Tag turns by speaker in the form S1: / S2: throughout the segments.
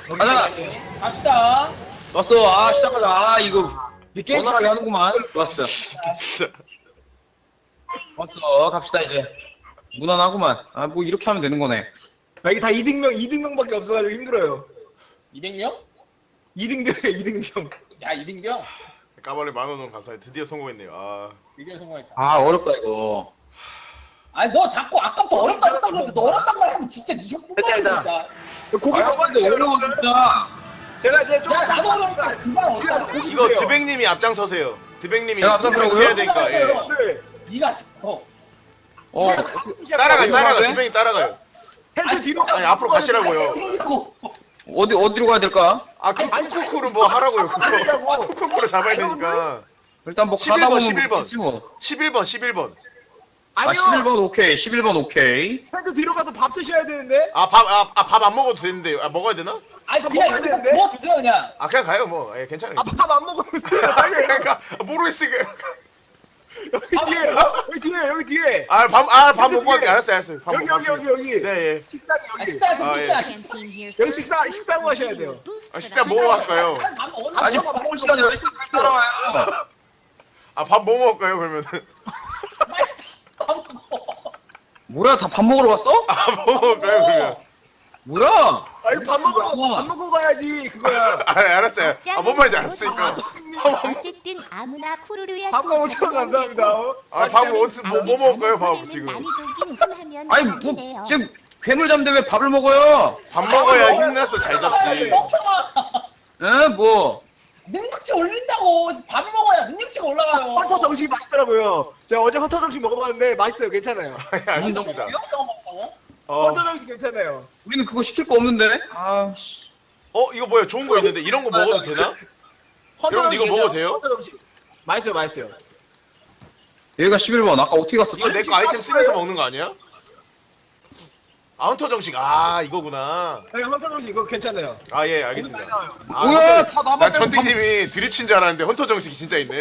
S1: 가자.
S2: 갑시다.
S1: 왔어. 아 시작하자. 아 이거 원활하게 하는구만. 좋았어.
S3: 진짜.
S1: 왔어. 갑시다 이제. 무난하구만. 아 뭐 이렇게 하면 되는 거네.
S4: 아, 이게 다 2등병밖에 없어가지고 힘들어요.
S2: 200명?
S4: 2등병이에요, 2등병.
S2: 야, 200명?
S3: 까발레 10,000원 감사해. 드디어 성공했네요. 아.
S2: 이게 성공했다.
S1: 아 어렵다 이거.
S2: 아니, 너 자꾸 아까부터 어렵다 했다고 그러는데 너 어렵단 말 하면 진짜 니형
S4: 됐다, 됐다.
S2: 진짜.
S4: 고기
S1: 아 근데 어려워 진짜.
S4: 제가 이제 좀.
S2: 야, 나도 어려우니까 그만 어렵다.
S3: 이거 드백님이 앞장서세요. 드백님이
S1: 제가 앞장서라고요?
S3: 해야 되니까. 예.
S4: 네.
S2: 니가 서.
S1: 어.
S3: 따라가. 드백이 따라가요.
S4: 텐트 뒤로.
S3: 아니 앞으로 가시라고요.
S2: 생기고.
S1: 어디로 가야 될까?
S3: 아 쿠쿠쿠를 뭐 하라고요. 그거. 쿠쿠쿠를 잡아야 되니까.
S1: 일단 뭐
S3: 11번,
S1: 가다 보면
S3: 11번.
S1: 모르겠지 뭐.
S3: 11번.
S1: 아
S4: 아니요.
S1: 11번 오케이. 11번 오케이.
S4: 텐트 뒤로 가서 밥 드셔야 되는데.
S3: 밥 안 먹어도 되는데. 아 먹어야 되나?
S2: 아니, 그냥
S4: 먹어야
S2: 여기서
S4: 되는데?
S2: 뭐 드세요, 그냥.
S3: 아 그냥 가요 뭐. 예, 괜찮아요.
S4: 밥 안 먹으면서. 빨리.
S3: 그러니까 모르겠으니까.
S4: 여기 뒤에, 여기 뒤에.
S3: 밥 먹고 갈게. 알았어요. 밥
S4: 여기,
S3: 먹고
S4: 여기,
S3: 갈게요.
S4: 여기, 여기.
S3: 네, 예.
S4: 식당이
S2: 아,
S4: 여기.
S2: 진짜,
S3: 아,
S2: 진짜.
S4: 여기 식사하고 하셔야 돼요.
S3: 식당 뭐 할까요?
S2: 아니, 밥 먹었나?
S1: 아니 밥 먹을 시간이 어디 있어? 빨리 따라와요.
S3: 아 밥 뭐 먹을까요 그러면은?
S2: 밥 먹어.
S1: 뭐야 다 밥 먹으러 갔어?
S3: 아 뭐 먹을까요 그러면?
S1: 뭐야?
S4: 아, 이거 밥 먹고 가야지, 그거야.
S3: 아 알았어요. 아 뭔 말인지 알았으니까.
S5: 어쨌든 아무나 쿠루루야.
S4: 밥가 5,000원 감사합니다.
S3: 밥 뭐 먹을까요 밥 지금?
S1: 아니 뭐 지금 괴물 잡는데 왜 밥을 먹어요?
S3: 밥 먹어야 힘나서 잘 잡지.
S2: 멍청아.
S1: 에 뭐?
S2: 능력치 올린다고. 밥 먹어야 능력치가 올라가요.
S4: 헌터 정식이 맛있더라고요. 제가 어제 헌터 정식 먹어봤는데 맛있어요. 괜찮아요.
S3: 예, 알겠습니다.
S4: 헌터 정식 괜찮아요.
S1: 우리는 그거 시킬 거 없는데? 아 씨.
S3: 이거 뭐야 좋은 거 있는데 이런 거 먹어도 되나? 여러분 이거 먹어도 돼요?
S4: 헌터 정식. 맛있어요, 맛있어요.
S1: 얘가 11번 아까 어떻게 갔었지?
S3: 이거 내 거 아이템 쓰면서 먹는 거 아니야? 아운터 정식 이거구나.
S4: 네, 헌터 정식 이거 괜찮아요.
S3: 아 예 알겠습니다.
S1: 뭐야 다
S3: 난
S1: 남았네.
S3: 전띵님이 드립 친 줄 알았는데 헌터 정식이 진짜 있네.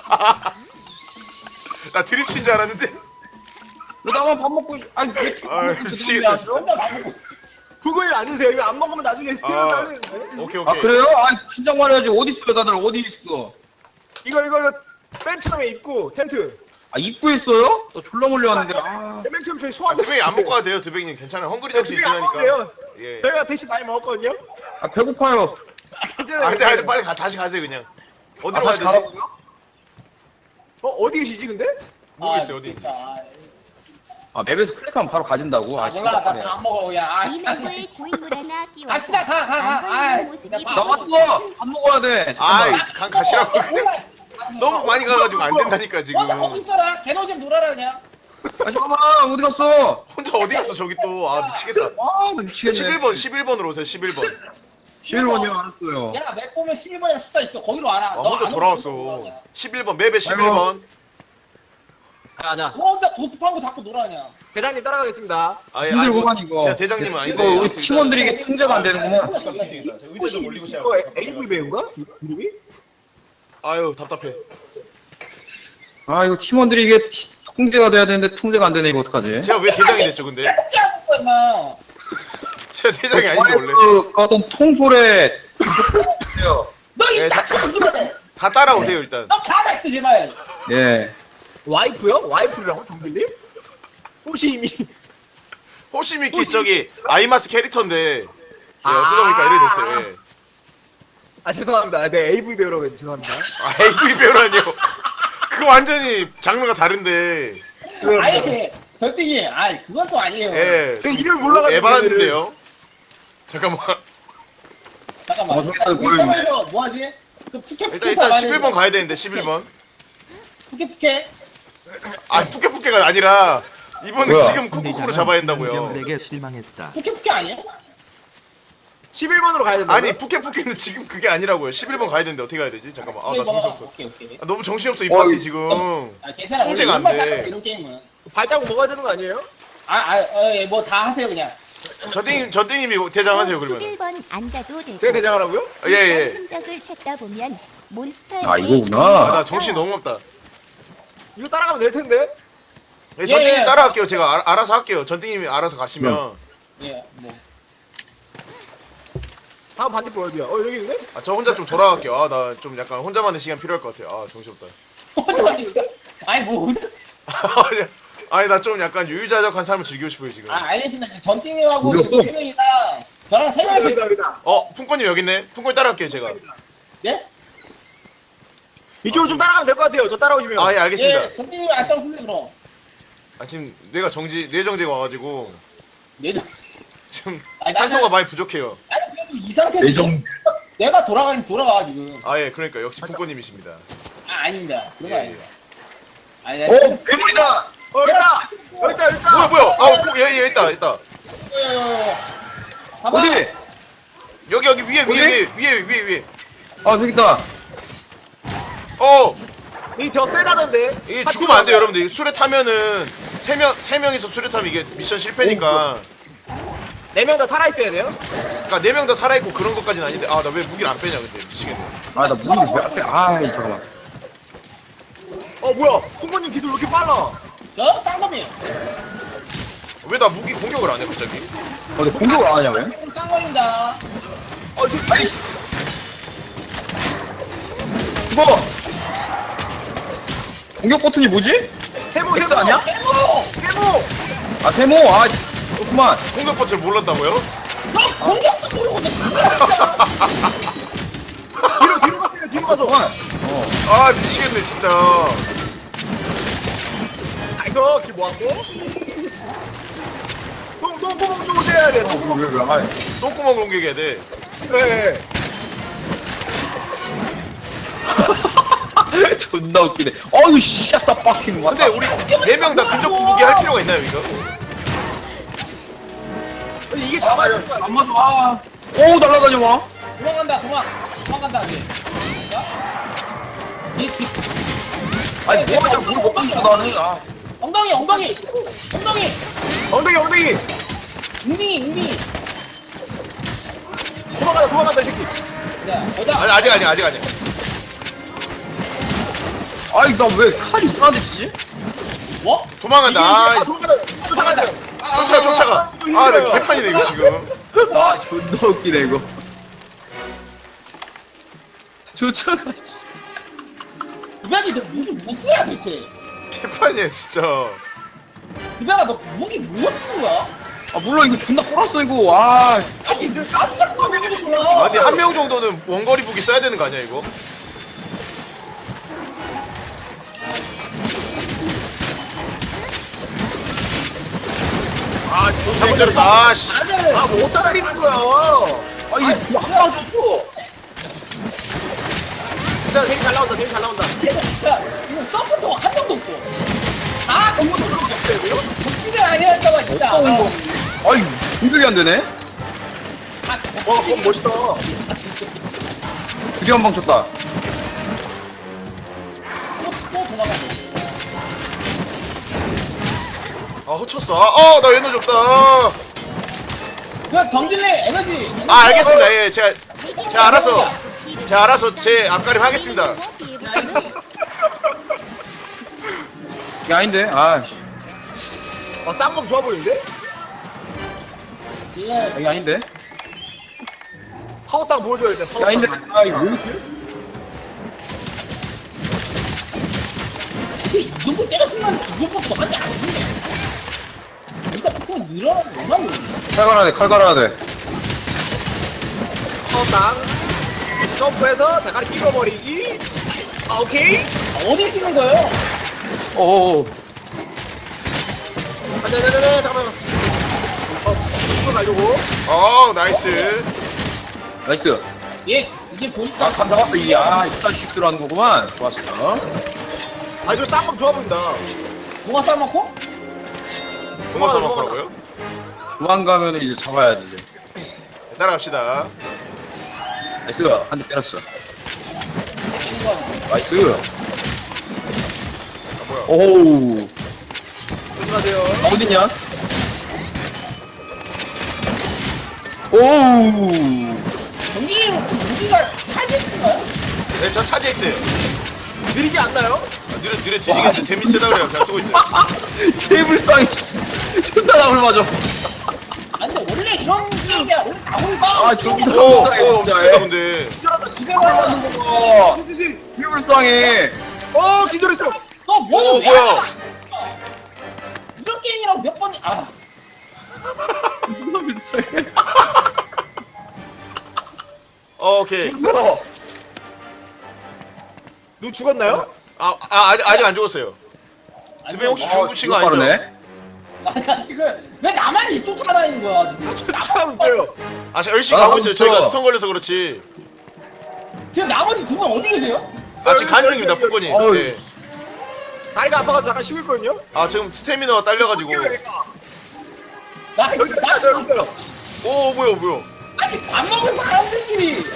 S3: 나 드립 친 줄 알았는데.
S1: 왜 나만 밥 먹고 아니 왜
S3: 아
S1: 이렇게
S3: 미치겠다 진짜.
S2: 혼자 밥 먹고 있어.
S4: 그거 일 안 드세요. 이거 안 먹으면 나중에 스티븐
S3: 아.
S4: 딸리는데.
S3: 오케이
S1: 아
S3: 오케이.
S1: 그래요? 아 진작 말해야지 어디 있어요 다들 어디 있어?
S4: 이거 맨 처음에 입고 텐트.
S1: 아 입구에 있어요? 너 졸라 몰려왔는데 아
S4: 맨 처음 저희 소환.
S3: 드백이 안 먹고 가도 돼요 드백님 괜찮아요. 헝그리 정식
S4: 안 먹어도
S3: 있으니까.
S4: 돼요.
S3: 예.
S4: 저희가 대신 많이 먹었거든요.
S1: 아, 배고파요.
S4: 괜찮아요.
S3: 근데 빨리 다시 가세요 그냥. 어디로 가야
S1: 다시
S3: 되지?
S1: 가라고요?
S4: 어디 계시지 근데?
S3: 모르겠어요 어디.
S2: 진짜.
S1: 아 맵에서 클릭하면 바로 가진다고? 아
S2: 몰라,
S1: 진짜
S2: 나안 먹어, 그냥. 아,
S5: 이
S2: 참.
S5: 내부에 구인물 하나 끼워.
S2: 갑시다, 가. 진짜
S1: 나 왔어! 밥 먹어야 돼!
S3: 아이
S1: 잠깐만.
S3: 가시라고 그냥. 너무 많이 가가지고 안 된다니까 지금.
S2: 혼자 거기 있어라. 개노 좀 놀아라, 그냥.
S1: 아 잠깐만 어디 갔어?
S3: 혼자 어디 갔어 저기 또. 아 미치겠다.
S1: 아나 미치겠네
S3: 11번으로 오세요 11번.
S1: 11번이요 알았어요.
S2: 야, 맵 보면 11번이랑 숫자 있어. 거기로 와라. 너
S3: 혼자
S2: 안
S3: 돌아왔어.
S2: 오면
S3: 11번 맵에 11번.
S4: 자,
S2: 너 혼자 도습하고 자꾸 놀아, 그냥.
S4: 대장님 따라가겠습니다.
S1: 힘들구만 이거.
S3: 제가 대장님은 아닌데.
S1: 이거 우리 팀원들이 이게 통제가 안 되는구만.
S3: 의자 좀 올리고 시작.
S4: 이거 AV 배우인가? 이름이?
S3: 아유 답답해.
S1: 아 이거 팀원들이 이게 통제가 돼야 되는데 통제가 안 되네 이거 어떡하지?
S3: 제가 왜 대장이 됐죠 근데?
S2: 꼭지 않을 거야, 임마.
S3: 제가 대장이 아닌데 원래.
S1: 그 어떤 통솔에
S2: 너
S3: 예,
S2: 이
S3: 다-
S2: 닥쳐 죽으면
S3: 다 따라오세요 일단.
S2: 너 가만 있어, 제발.
S1: 예.
S4: 와이프요? 와이프라고 정글님? 혹시 이미
S3: 호시미키 저기 아이마스 캐릭터인데 제가 어쩌다 보니까 이렇게 됐어요. 예.
S4: 죄송합니다. 네 AV 배우라고 해서 죄송합니다.
S3: AV 배우라니요. 그거 완전히 장르가 다른데.
S4: 죄송합니다.
S2: 아니, 절대기. 아이, 그건 또 아니에요.
S3: 예.
S4: 제가 이름을 몰라가지고
S3: 에바인데요. 잠깐만.
S2: 잠깐만.
S1: 저기 또
S2: 우리 서버에서 뭐 하지? 그 푸케
S3: 일단 11번 가야 되는데 11번.
S2: 푸케.
S3: 푸케푸케가 아니라 이번은
S1: 뭐야?
S3: 지금 쿠쿠쿠로 잡아야 된다고요.
S6: 병들에게 실망했다.
S2: 푸케 아니야?
S4: 11번으로 가야 된다.
S3: 아니 푸케푸케는 지금 그게 아니라고요. 11번 가야 되는데 어떻게 가야 되지? 잠깐만. 나 정신없어.
S2: 오케이.
S3: 너무 정신없어 이
S1: 어,
S3: 파티 지금.
S2: 아, 괜찮아.
S3: 통제가 안 돼.
S2: 이런 게임은.
S4: 발자국 먹어야 되는 거 아니에요?
S2: 뭐 다 하세요, 그냥.
S3: 저땡님이 대장하세요 그러면.
S5: 11번 앉아도 되고.
S4: 제가 대장하라고요?
S3: 예.
S5: 흔적을 찾다 보면 몬스터에
S1: 아 이거구나.
S3: 나 정신 너무 없다.
S4: 이거 따라가면 될 텐데.
S3: 예, 전띵님
S2: 예.
S3: 따라갈게요. 제가 알아서 할게요. 전띵님이 알아서 가시면.
S2: 예, 뭐.
S4: 다음 반대편 어디야? 여기 있네?
S3: 아, 저 혼자 좀 돌아갈게요. 아, 나 좀 약간 혼자만의 시간 필요할 것 같아요. 아, 정신없다.
S2: 아니 뭐
S3: 아니, 나 좀 약간 유유자적한 삶을 즐기고 싶어요, 지금.
S2: 알겠습니다. 전띵님하고
S1: 우리 없어.
S2: 2명이나 저랑 3명이서
S4: 여기다 여기다.
S3: 풍권님 여기 있네. 풍권 따라갈게요, 제가.
S2: 네?
S4: 이쪽으로 좀 따라가면 될 것 같아요. 저 따라오시면.
S3: 아, 예, 알겠습니다.
S2: 예, 전띵님이 안경 쓰세요 그럼.
S3: 아, 지금 뇌정지가 와가지고
S2: 내정.
S3: 지금
S2: 아니,
S3: 산소가 많이 부족해요.
S2: 아니 그래도 이 상태에서
S1: 내정.
S2: 내가 돌아가긴 돌아가 지금.
S3: 아, 예, 그러니까 역시 풍권님이십니다.
S2: 아닙니다. 그런 거
S3: 예,
S2: 아닙니다.
S3: 예.
S2: 아니
S1: 오, 괴물이다.
S4: 여기다. 여기다.
S3: 뭐야? 얘 있다.
S2: 봐봐.
S1: 어디?
S3: 여기 위에.
S1: 아, 저기 있다.
S4: 이 더 세다던데.
S3: 이게 죽으면 안 돼요, 여러분들. 이게 술에 타면은 세 명이서 술에 타면 이게 미션 실패니까.
S4: 4명 다 살아 있어야 돼요?
S3: 그러니까 4명 다 살아있고 그런 것까지는 아닌데. 아, 나 왜 무기를 안 빼냐, 근데 미치겠네.
S1: 아, 나 무기를 왜 앞에? 아이, 잠깐만.
S4: 뭐야? 풍모님 기술 왜 이렇게 빨라?
S2: 저 쌍검이에요.
S3: 왜 나 무기 공격을 안 해, 갑자기?
S1: 너 공격을 안 하냐, 왜?
S2: 쌍검입니다.
S1: 아이씨. 죽어! 공격 버튼이 뭐지?
S4: 세모
S1: X 아니야?
S2: 해모.
S1: 아, 세모! 아, 그렇구만.
S3: 공격 버튼을 몰랐다고요?
S2: 너 공격도 모르고 너
S4: 뒤로 가세요. 뒤로 가서.
S1: 그렇구만.
S3: 아, 미치겠네, 진짜.
S4: 나이스. 길 모았고. 똥구멍 쪽으로 해야 돼. 똥구멍.
S1: 왜, 아,
S3: 똥구멍 공격해야 돼.
S4: 네.
S1: 존나 웃기네. 어유 씨, 아따 빡킹.
S3: 근데 우리 4명 다 근접 무기 할 필요가 있나요, 이거?
S4: 이게 잡아야 돼.
S1: 안 맞아. 아. 오, 날라다녀 와.
S2: 도망간다 이제. 이
S1: 아니, 뭐가 뭘못 봤어, 나는. 아.
S2: 엉덩이.
S4: 엉덩이.
S2: 웅빙이.
S4: 도망간다, 이 새끼.
S2: 야, 여자.
S3: 아직 아니야.
S1: 아니, 나 왜 칼이 이상한데 치지?
S2: 뭐?
S3: 도망간다. 아,
S4: 도망간다.
S3: 쫓아가. 아, 나 개판이네, 이거 지금.
S1: 아, 존나 웃기네, 이거. 쫓아가.
S2: 그배기 너 무기 못 써야 대체.
S3: 개판이야, 진짜.
S2: 그배가 너 무기 못 쓰는 거야?
S1: 아, 몰라, 이거 존나 꼬랐어, 이거. 아.
S2: 아니 너 깜짝 놀랐어.
S3: 아, 근데 한 명 정도는 원거리 무기 써야 되는 거 아니야, 이거? 잘못 때렸다. 아, 씨.
S2: 다들
S4: 못 따라리는 거야.
S1: 아, 이게 존나 안 맞았어.
S4: 일단 되게 잘 나온다.
S2: 진짜 이거 서포터 한 명도 없고. 아 너무 놀랐어. 복지를 아니었다고 진짜.
S1: 아이, 공격이 안 되네?
S4: 그건 멋있다.
S1: 드디어 한 방 쳤다.
S2: 또 도망갔어.
S3: 아, 허쳤어. 나 에너지 없다.
S2: 그냥 정진래 에너지.
S3: 아, 알겠습니다. 예, 제가 알아서 제 앞가림 하겠습니다.
S1: 이게 아닌데? 아, 씨.
S4: 쌍검 좋아 보이는데?
S2: 예.
S1: 이게 아닌데?
S4: 파워 땅 보여줘야 돼.
S1: 이게 아닌데? 아, 이거 왜 이렇게?
S2: 이 정도 때렸으면 죽을 법도 하지 않는데. 일단 그거 늘어나는 얼마나 모르겠네.
S1: 칼 갈아야 돼, 칼 갈아야 돼.
S4: 파워 땅. 점프해서 대가리 찍어버리기. 오케이.
S2: 어디 찍는 거예요?
S1: 어어어.
S4: 네, 잠깐만. 이거 가지고.
S3: 나이스.
S1: 나이스.
S2: 예, 이제 보니까
S1: 아, 감 잡았어. 이딴 식수로 하는 거구만. 좋았어.
S4: 이거 쌍검 좋아 보인다.
S2: 뭐가 삶았고?
S3: 동화 써먹더라고요.
S1: 도망가면 이제 잡아야 돼, 이제.
S3: 따라갑시다.
S1: 나이스. 한 대 때렸어.
S2: 찍는 거야.
S1: 나이스.
S3: 뭐야.
S1: 오우.
S4: 조심하세요.
S1: 어딨냐? 오우.
S2: 정진이는 그 무기가 차지했어요?
S3: 네, 저 차지했어요.
S4: 느리지 않나요?
S3: 느려 뒤지겠는데 데미 세다 그래요. 그냥 쓰고 있어요.
S1: 케이블상이 존나 나물 맞아.
S2: 아니 근데 원래 이런 게임이야. 원래 나오니까.
S1: 아, 존나
S3: 오,
S1: 불쌍해,
S3: 엄청
S1: 진짜.
S3: 세다 근데.
S4: 기절한다.
S2: 지금 하는
S1: 어, 이 불쌍해.
S4: 기절했어.
S2: 너
S3: 오,
S2: 뭐는 왜
S3: 뭐야?
S2: 하냐, 이런 게임이라고 몇 번이
S1: 존나 불쌍해.
S3: 오케이.
S4: 누 죽었나요?
S3: 아직 안 죽었어요. 드배 혹시 죽으신 거 아니죠?
S1: 빠르네.
S2: 나 지금 왜 나만 이 쫓아다니는 거야 지금?
S4: 쫓아오세요.
S3: 제가 열심히
S1: 아,
S3: 가고 있어요.
S1: 그렇죠.
S3: 저희가 스턴 걸려서 그렇지.
S2: 지금 나머지 두 분 어디 계세요?
S3: 지금 간 중입니다, 푸근이.
S1: 어우.
S3: 네.
S4: 다리가 아파가지고 잠깐 쉬고 있거든요.
S3: 지금 스태미너가 딸려가지고.
S2: 나
S4: 여기 있어요. 여기 있어요.
S3: 오, 뭐야.
S2: 아니 밥 먹은 사람들끼리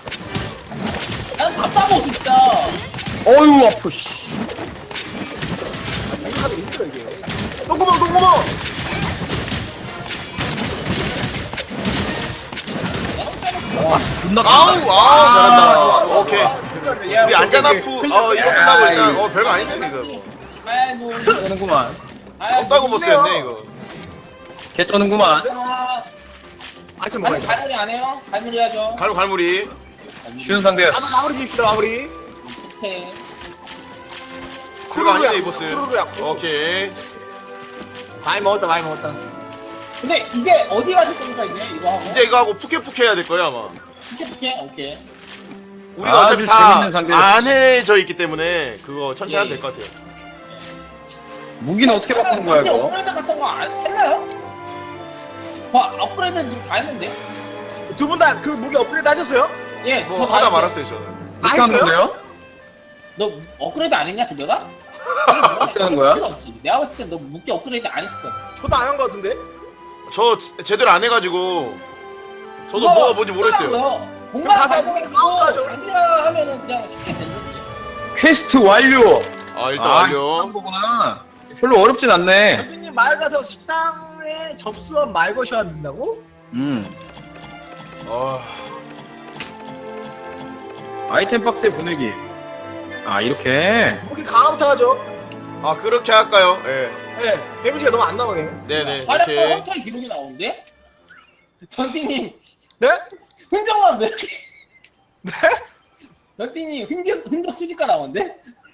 S2: 난 답답하고 진짜.
S1: 어휴, 아프, 씨.
S4: 생각하기 힘들어 이게. 똥구멍.
S1: 와, 존나
S3: 잘한다. 오케이.
S1: 야,
S3: 우리 안전아프, 이거 끝나고 일단, 별거 아닌데, 이거.
S2: 아이고
S1: 쩌는구만.
S3: 없다고 보스였네, 이거.
S1: 개 쩌는구만.
S4: 아이템 먹어야 돼.
S2: 갈무리 안 해요? 갈무리 하죠.
S3: 갈무리.
S1: 쉬운 상대였어.
S4: 마무리 줍시다 마무리.
S2: 오케이.
S3: 별거 아닌데, 이 보스.
S4: 쿠루루야.
S3: 오케이.
S4: 많이 먹었다.
S2: 근데 이게 어디 가실 겁니까 이제 이거 하고?
S3: 이제 이거 하고 푸케푸케 해야 될 거예요, 아마.
S2: 푸케푸케? 오케이.
S3: 우리가
S1: 아주
S3: 어차피 다
S1: 재밌는 상대였어.
S3: 안해져 있기 때문에 그거 천천히 하면 될 것 같아요.
S1: 무기는 어떻게 바꾸는 거야,
S2: 근데
S1: 이거?
S2: 업그레이드 같은 거 안 했나요? 업그레이드는 지금 다 했는데?
S4: 두 분 다 그 무기 업그레이드 하셨어요?
S2: 예.
S3: 뭐
S2: 그거 다
S3: 하다
S2: 했어요.
S3: 말았어요, 저는.
S1: 어떻게 하는
S4: 했어요?
S1: 건데요?
S2: 너 업그레이드 안 했냐 두배가?
S1: 어떻게 하는 거야?
S2: 내가 봤을 땐 너 무기 업그레이드 안 했어.
S4: 저도 안 한 거 같은데.
S3: 저 제대로 안 해가지고 저도 뭐가 뭔지 모르겠어요.
S2: 공간
S4: 가서
S2: 가지고
S4: 하죠.
S2: 장비라 하면은 그냥 쉽게 되는 거지.
S1: 퀘스트 완료.
S3: 일단 완료.
S1: 그런 거구나. 별로 어렵진 않네.
S4: 대표님 말 가서 식당에 접수한 말 거셔야 된다고?
S3: 아,
S1: 아이템 박스에 보내기. 이렇게.
S4: 무기 강화부터 하죠.
S3: 그렇게 할까요? 예.
S4: 네. 데미지가 너무 안 나오네.
S3: 네네.
S2: 활약과
S3: 오케이.
S2: 헌터의 기록이 나오는데? 전띠님
S4: 네?
S2: 흔적만 왜 이렇게
S4: 네?
S2: 전띠님 흔적 수집가 나오는데?